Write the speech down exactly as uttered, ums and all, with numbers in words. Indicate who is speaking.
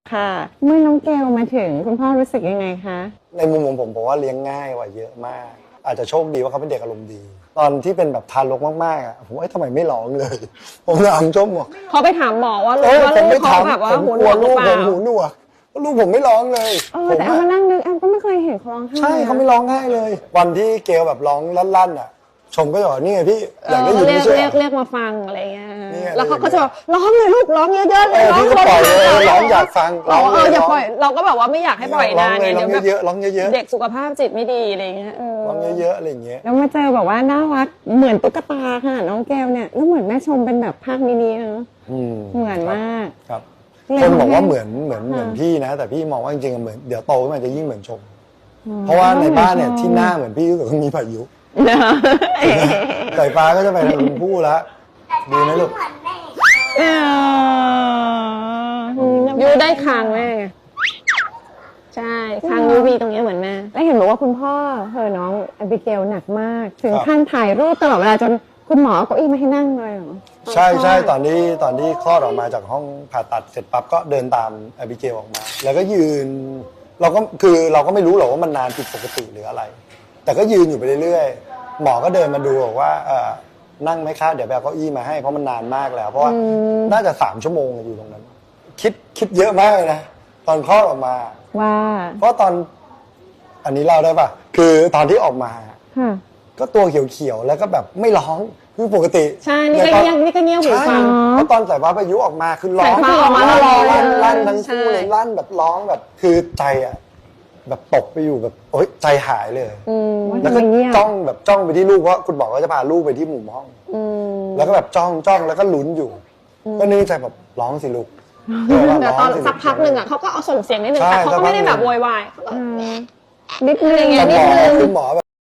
Speaker 1: ค่ะเมื่อน้องเกลมาถึงคุณพ่อรู้สึกยังไงคะ
Speaker 2: ในมุมของผมผมว่าเลี้ยงง่ายกว่าเยอะมาก อาจจะโชคดีว่าเขาเป็นเด็กอารมณ์ดี ตอนที่เป็นแบบทารกมากๆอ่ะผมว่าทำไมไม่ร้องเลย ผมถามชมบอก
Speaker 1: เขาไปถามหมอว่าลูกว่า
Speaker 2: ผม
Speaker 1: ลู
Speaker 2: ไม่
Speaker 1: กเขา
Speaker 2: ถาม
Speaker 1: แบบว่า
Speaker 2: ผม
Speaker 1: หู
Speaker 2: ก
Speaker 1: หน
Speaker 2: ลัว
Speaker 1: วกหรื
Speaker 2: ลู
Speaker 1: อก เป
Speaker 2: ผ
Speaker 1: ล่าม
Speaker 2: หูหนวกลูกผมไม่ร้องเลย
Speaker 1: เออแต่เอามานั่งนึกแอมก็ไม่เคยเห็นเขาร้องไห้
Speaker 2: ใช่เขาไม่ร้องง่ายเลย วันที่เกลแบบร้องลั่นๆอ่ะชมก็จะบอกนี่ไงพี่อยากได้ยิน
Speaker 1: เรีย
Speaker 2: ไม่
Speaker 1: ก
Speaker 2: ใช่
Speaker 1: เรียกเรียกมาฟังอะไรเงี้ย
Speaker 2: นี่ไง
Speaker 1: แล้วเขาก็จะบอกร้องเลยลูกร้องเยอะๆเล
Speaker 2: เอย อ
Speaker 1: ร้อง
Speaker 2: พี่ก็ปล่อยเลยร้องอยากฟังร้
Speaker 1: ร้
Speaker 2: อ
Speaker 1: อง ง
Speaker 2: เล
Speaker 1: เอย ออย่าปล่อยเราก็แบบว่าไม่อยากให้ปล่อย
Speaker 2: ร้อน
Speaker 1: าง น
Speaker 2: เลย
Speaker 1: ไง
Speaker 2: ร้อง
Speaker 1: เดี๋ยวแบบ
Speaker 2: เยอะๆร้องเยอะ
Speaker 1: เด็กสุขภาพจิตไม่ดีอะไรเงี้ยเออ
Speaker 2: ๆร้องเยอะๆอะไรอย่างเงี้ย
Speaker 1: แล้วมาเจอแบบว่าน่ารักเหมือนตุ๊กตาค่ะน้องแก้วเนี่ยแล้วเหมือนแม่ชมเป็นแบบภาคมินิเนาะ
Speaker 2: อืม
Speaker 1: เหมือนมาก
Speaker 2: ครับ
Speaker 1: เลย
Speaker 2: คนบอกว่า
Speaker 1: ทำให้
Speaker 2: เหมือนเหมือนเหมือนพี่นะ แต่พี่มองว่าจริงๆเหมือนเดี๋ยวโตขึ้นมาจะยิ่งเหมือนชม
Speaker 1: อ๋อ
Speaker 2: เพราะว่าในบ้านเนี่ยที่หน้าเหมือนพี่รู้สึกว่ามีพายุ
Speaker 1: เนอะ
Speaker 2: สายฟ้าก็จะไปทางคุณผู้แล้วดีไหมลูก
Speaker 1: เออยูได้คางแม่ไงใช่คางยูมีตรงนี้เหมือนแม่แล้วเห็นบอกว่าคุณพ่อเธอน้องแอบิเกลหนักมาก ถึงขั้นถ่ายรูปตลอดเวลาจนคุณหมอเอาเก้าอี้มาให้นั่งเลยเหรอ
Speaker 2: ใช่ใช่ตอนที่ตอนที่คลอดออกมาจากห้องผ่าตัดเสร็จปั๊บก็เดินตามแอบิเกลออกมา แล้วก็ยืน เราก็คือเราก็ไม่รู้หรอกว่ามันนานผิดปกติหรืออะไร แต่ก็ยืนอยู่ไปเรื่อยๆหมอก็เดินมาดูบอกว่าเออนั่งไหมคะเดี๋ยวไปเอาเก้าอี้มาให้เพราะมันนานมากแล้ว เพราะว่าน่าจะสามชั่วโมงอยู่ตรงนั้น คิดคิดเยอะมากเลยนะตอนคลอดออกมา
Speaker 1: ว่า
Speaker 2: เพราะตอนอันนี้เล่าได้ป่ะคือตอนที่ออกมา
Speaker 1: ค่ะ
Speaker 2: ก็ตัวเขียวๆแล้วก็แบบไม่ร้องคือปกติ
Speaker 1: ใช่นี่ก็
Speaker 2: ตอ
Speaker 1: เงียบนี่ก็เงียบหูฟัง
Speaker 2: ใช่เพราะตอนสายฟ้าพายุออกมาคือร้อง
Speaker 1: สายฟ้าออกมาแล้วร้อง
Speaker 2: ลั่นลั่น
Speaker 1: เลย
Speaker 2: ทั้งคู่เลย
Speaker 1: ใช่
Speaker 2: ลั่นแบบร้องแบบคือใจอ่ะแบบตกไปอยู่แบบโอ๊ยใจหายเลย
Speaker 1: อืม
Speaker 2: แล้วก็
Speaker 1: ทำไมเงียบ
Speaker 2: จ้องแบบจ้องไปที่ลูกเพราะคุณบอกว่าจะพาลูกไปที่มุมห้อง
Speaker 1: อืม
Speaker 2: แล้วก็แบบจ้องจ้องแล้วก็ลุ้นอยู่ ก็นึกในใจแบบร้องสิลูก
Speaker 1: แต่ตอน
Speaker 2: ร้ง
Speaker 1: สักพักหนึ่งอ่ะเขาก็เอาส่งเสียงนิดนึง
Speaker 2: ใช่
Speaker 1: แต่เขาก็ไม่ได้แบบ
Speaker 2: สักพักหนึ่ง
Speaker 1: โวยวายเขาก็นิดนึง
Speaker 2: แต่
Speaker 1: อย่าง
Speaker 2: ห
Speaker 1: นิ
Speaker 2: ม
Speaker 1: ด
Speaker 2: อ
Speaker 1: นึง
Speaker 2: คือหมอแบบ